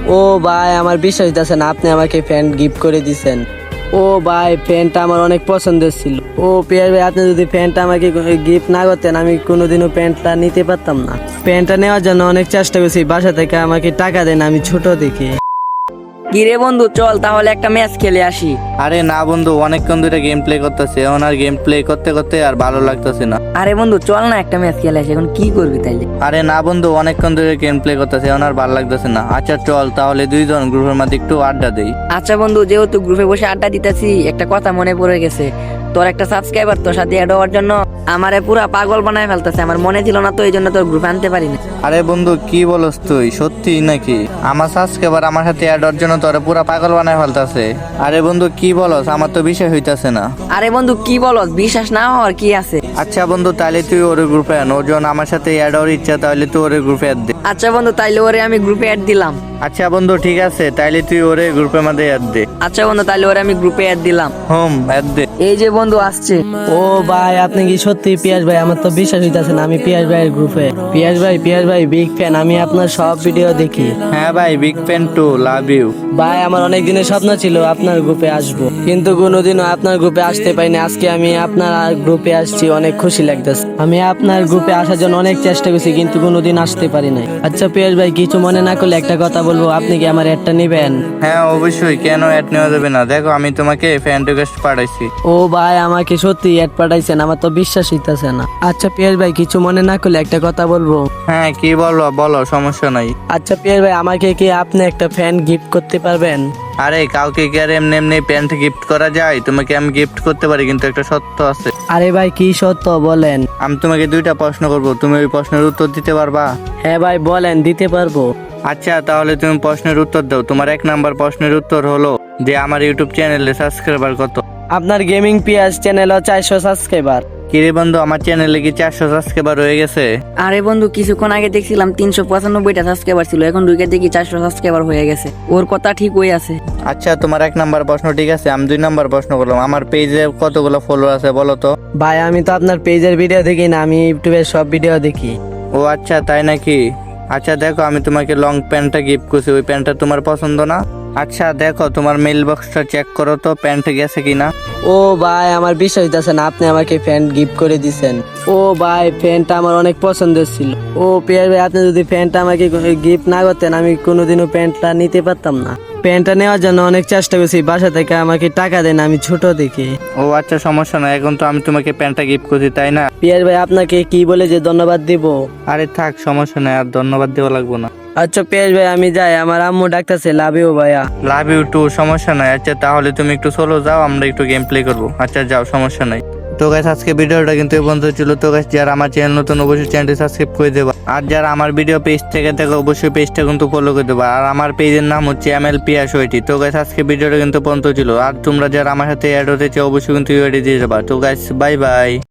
ও ভাই আমার বিশ্বাস হইতাছে না আপনি আমাকে প্যান্ট গিফট করে দিছেন। ও ভাই প্যান্টটা আমার অনেক পছন্দের ছিল। ও পিয়ার ভাই আপনি যদি প্যান্টটা আমাকে গিফট না করতেন আমি কোনোদিনও প্যান্টটা নিতে পারতাম না। প্যান্টটা নেওয়ার জন্য অনেক চেষ্টা করছি, বাসা থেকে আমাকে টাকা দেন, আমি ছোট দেখি। কিরে বন্ধু চল তাহলে একটা ম্যাচ খেলে আসি। আরে না বন্ধু, অনেকক্ষণ ধরে গেম প্লে করতেছে, এখন আর গেম প্লে করতে করতে আর ভালো লাগতেছে না। আরে বন্ধু চল না একটা ম্যাচ খেলে আসি, এখন কি করবি তাইলে? আরে না বন্ধু, অনেকক্ষণ ধরে গেম প্লে করতেছে, এখন আর ভালো লাগতেছে না। আচ্ছা চল তাহলে দুইজন গ্রুপের মধ্যে একটু আড্ডা দেই। আচ্ছা বন্ধু, যেহেতু গ্রুপে বসে আড্ডা দিতেছি একটা কথা মনে পড়ে গেছে। তোর একটা সাবস্ক্রাইবার তোর সাথে অ্যাড হওয়ার জন্য আমারে পুরা পাগল বানায় ফেলতেছে, আমার মনে ছিল না তো এই জন্য তোর গ্রুপে আনতে পারি না। আরে বন্ধু কি বলস তুই, সত্যি নাকি? আমার সাবস্ক্রাইবার আমার সাথে অ্যাড হওয়ার জন্য তোরে পুরা পাগল বানায় ফেলতাছে। আরে বন্ধু কি বলস, আমার তো বিষয় হইতাছে না। আরে বন্ধু কি বলস, বিশ্বাস না হওয়ার কি আছে? আচ্ছা বন্ধু তাহলে তুই ওর গ্রুপে আন, ওর জন্য আমার সাথে অ্যাড হওয়ার ইচ্ছা, তাহলে তুই ওর গ্রুপে অ্যাড দে। আচ্ছা বন্ধু তাইলে ওরে আমি গ্রুপে অ্যাড দিলাম। আচ্ছা বন্ধু ঠিক আছে, তাইলে তুই ওরে গ্রুপের মধ্যে অ্যাড দে। আচ্ছা বন্ধু তাইলে ওরে আমি গ্রুপে অ্যাড দিলাম। অ্যাড দে। এই যে বন্ধু আসছে। ও ভাই আপনি কি সত্যি পিয়াস ভাই? আমার তো বিশ্বাস হইতাছে না আমি পিয়াস ভাইয়ের গ্রুপে। পিয়াস ভাই বিগ ফ্যান, আমি আপনার সব ভিডিও দেখি। হ্যাঁ ভাই, big fan too, love you. ভাই আমার অনেক দিনের স্বপ্ন ছিল আপনার গ্রুপে আসবো, কিন্তু কোনোদিনও আপনার গ্রুপে আসতে পারিনি। আজকে আমি আপনার গ্রুপে আসছি, অনেক খুশি লাগতেছে। আমি আপনার গ্রুপে আসার জন্য অনেক চেষ্টা করছি কিন্তু কোনোদিন আসতে পারি নাই। আচ্ছা পিয়াস ভাই কিছু মনে না করলে একটা কথা বলবো, আপনি কি আমার অ্যাডটা নেবেন? হ্যাঁ অবশ্যই, কেন অ্যাড নেওয়া যাবে না। দেখো আমি তোমাকে ফ্যান রিকোয়েস্ট পাঠাইছি। ও ভাই আমাকে সত্যি অ্যাড পাঠাইছেন, আমার তো বিশ্বাস হইতাছে না। আচ্ছা পিয়াস ভাই কিছু মনে না করলে একটা কথা বলবো। হ্যাঁ কি বলো বলো, সমস্যা নাই। আচ্ছা পিয়াস ভাই আমাকে কি আপনি একটা ফ্যান গিফট করতে পারবেন? আরে কাউকে কি আর এমনি এমনি প্যান্ট গিফট করা যায়? তোমাকে আমি গিফট করতে পারি, কিন্তু একটা সত্য আছে। আরে ভাই কি সত্য বলেন? আমি তোমাকে দুইটা প্রশ্ন করব, তুমি ওই প্রশ্নের উত্তর দিতে পারবা? হ্যাঁ ভাই বলেন, দিতে পারবো। আচ্ছা তাহলে তুমি প্রশ্নের উত্তর দাও। তোমার 1 নাম্বার প্রশ্নের উত্তর হলো যে আমার ইউটিউব চ্যানেলে সাবস্ক্রাইবার কত? আপনার গেমিং পিয়াস চ্যানেলও 400 সাবস্ক্রাইবার। কিরে বন্ধু, আমার চ্যানেলে কি 400 সাবস্ক্রাইবার হয়ে গেছে? আরে বন্ধু কিছুক্ষণ আগে দেখছিলাম 395টা সাবস্ক্রাইবার ছিল, এখন ঢুকে দেখি 400 সাবস্ক্রাইবার হয়ে গেছে। ওর কথা ঠিক হয়ে আছে। আচ্ছা তোমার 1 নাম্বার প্রশ্ন ঠিক আছে, আমি 2 নাম্বার প্রশ্ন করলাম। আমার পেজে কতগুলো ফলোয়ার আছে বলো তো? ভাই আমি তো আপনার পেজের ভিডিও দেখি না, আমি ইউটিউবের সব ভিডিও দেখি। ও আচ্ছা তাই নাকি? আচ্ছা দেখো আমি তোমাকে লং প্যান্টটা গিফট করছি, ওই প্যান্টটা তোমার পছন্দ না? আচ্ছা দেখো তোমার মেল বক্সটা চেক করো তো, প্যান্ট গেছে কিনা। ও ভাই আমার বিশ্বাস হইতাছে না আপনি আমাকে প্যান্ট গিফট করে দিছেন। ও ভাই প্যান্টটা আমার অনেক পছন্দের ছিল। ও পিয়ার ভাই আপনি যদি প্যান্টটা আমাকে গিফট না করতেন আমি কোনোদিনও প্যান্টটা নিতে পারতাম না। প্যান্টটা নেওয়ার জন্য অনেক চেষ্টা করছি, বাসা থেকে আমাকে টাকা দেন, আমি ছোট দেখি। ও আচ্ছা সমস্যা না, এখন তো আমি তোমাকে প্যান্টটা গিফট করছি তাই না? পিয়ার ভাই আপনাকে কি বলে যে ধন্যবাদ দিব? আরে থাক সমস্যা নাই, আর ধন্যবাদ দেওয়া লাগবো না। আচ্ছা পিয়ার ভাই আমি যাই, আমার আম্মু ডাকতেছে। লাভ ইউ ভাইয়া। লাভ ইউ টু, সমস্যা নাই। আচ্ছা তাহলে তুমি একটু সোলো যাও, আমরা একটু গেম প্লে করবো। আচ্ছা যাও, সমস্যা নাই। তো গাইস আজকে ভিডিওটা কিন্তু এই পর্যন্ত ছিল। তো গাইস যারা আমার চ্যানেল নতুন অবশ্যই চ্যানেলটি সাবস্ক্রাইব করে দেবা, আর যারা আমার ভিডিও পেজ থেকে দেখো অবশ্যই পেজটা কিন্তু ফলো করে দেবা। আর আমার পেজের নাম হচ্ছে ML পিয়াস80। তো গাইস আজকে ভিডিওটা কিন্তু পর্যন্ত ছিল, আর তোমরা যারা আমার সাথে অ্যাড হতে চাও অবশ্যই কিন্তু ইউআইডি দিয়ে যাবা। তো গাইস বাই বাই।